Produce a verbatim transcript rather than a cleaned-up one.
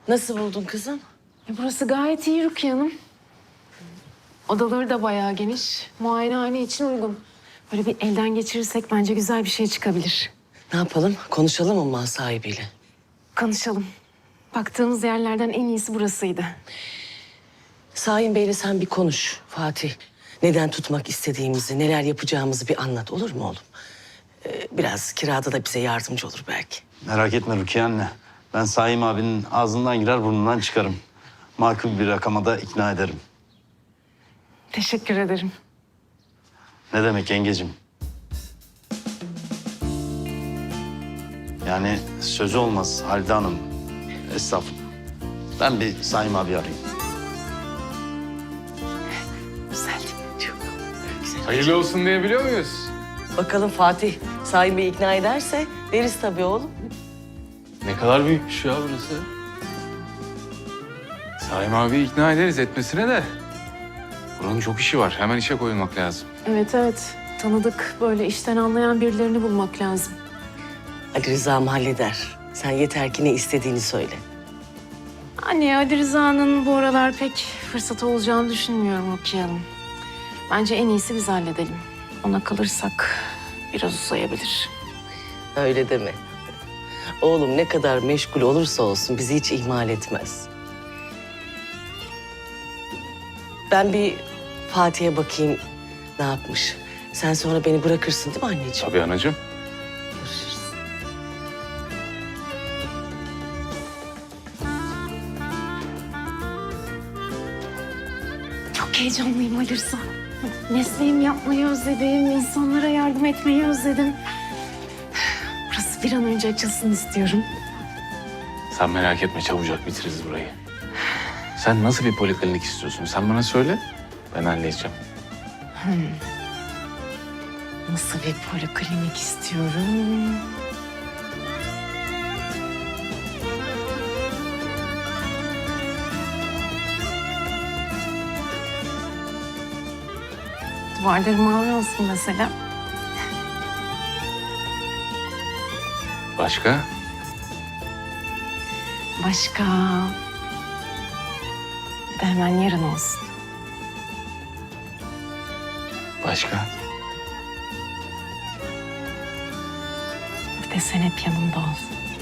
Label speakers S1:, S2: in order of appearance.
S1: Nasıl buldun kızım?
S2: Ya burası gayet iyi Rukiye Hanım. Odaları da bayağı geniş. Muayenehane için uygun. Böyle bir elden geçirirsek bence güzel bir şey çıkabilir.
S1: Ne yapalım? Konuşalım mı mal sahibiyle?
S2: Konuşalım. Baktığımız yerlerden en iyisi burasıydı.
S1: Şahin Bey'le sen bir konuş Fatih. Neden tutmak istediğimizi, neler yapacağımızı bir anlat, olur mu oğlum? Ee, biraz kirada da bize yardımcı olur belki.
S3: Merak etme Rukiye anne. Ben Saim abinin ağzından girer burnundan çıkarım. Makul bir rakama da ikna ederim.
S2: Teşekkür ederim.
S3: Ne demek yengecim? Yani sözü olmaz Halide Hanım. Estağfurullah. Ben bir Saim abi arayayım.
S1: Güzel, çok güzel.
S4: Hayırlı olsun diyebiliyor muyuz?
S1: Bakalım Fatih Şahin Bey'i ikna ederse deriz tabii oğlum.
S4: Ne kadar büyükmüş ya burası. Saim abi ikna ederiz etmesine de. Buranın çok işi var. Hemen işe koyulmak lazım.
S2: Evet evet. Tanıdık böyle işten anlayan birilerini bulmak lazım.
S1: Ali Rıza'm halleder. Sen yeter ki ne istediğini söyle.
S2: Anne Ali Rıza'nın bu aralar pek fırsatı olacağını düşünmüyorum Rukiye Hanım. Bence en iyisi biz halledelim. Ona kalırsak biraz uzayabilir.
S1: Öyle deme. Oğlum ne kadar meşgul olursa olsun bizi hiç ihmal etmez. Ben bir Fatih'e bakayım ne yapmış. Sen sonra beni bırakırsın değil mi anneciğim?
S4: Tabii anacığım.
S1: Görüşürüz.
S2: Çok heyecanlıyım Ali Rıza. Mesleğimi yapmayı özledim, insanlara yardım etmeyi özledim. Burası bir an önce açılsın istiyorum.
S4: Sen merak etme çabucak bitiririz burayı. Sen nasıl bir poliklinik istiyorsun? Sen bana söyle. Ben halledeceğim.
S2: Nasıl bir poliklinik istiyorum? Duvarları mavi olsun mesela.
S4: Başka?
S2: Başka? Bir de hemen yarın olsun.
S4: Başka?
S2: Bir de sen hep yanımda ol.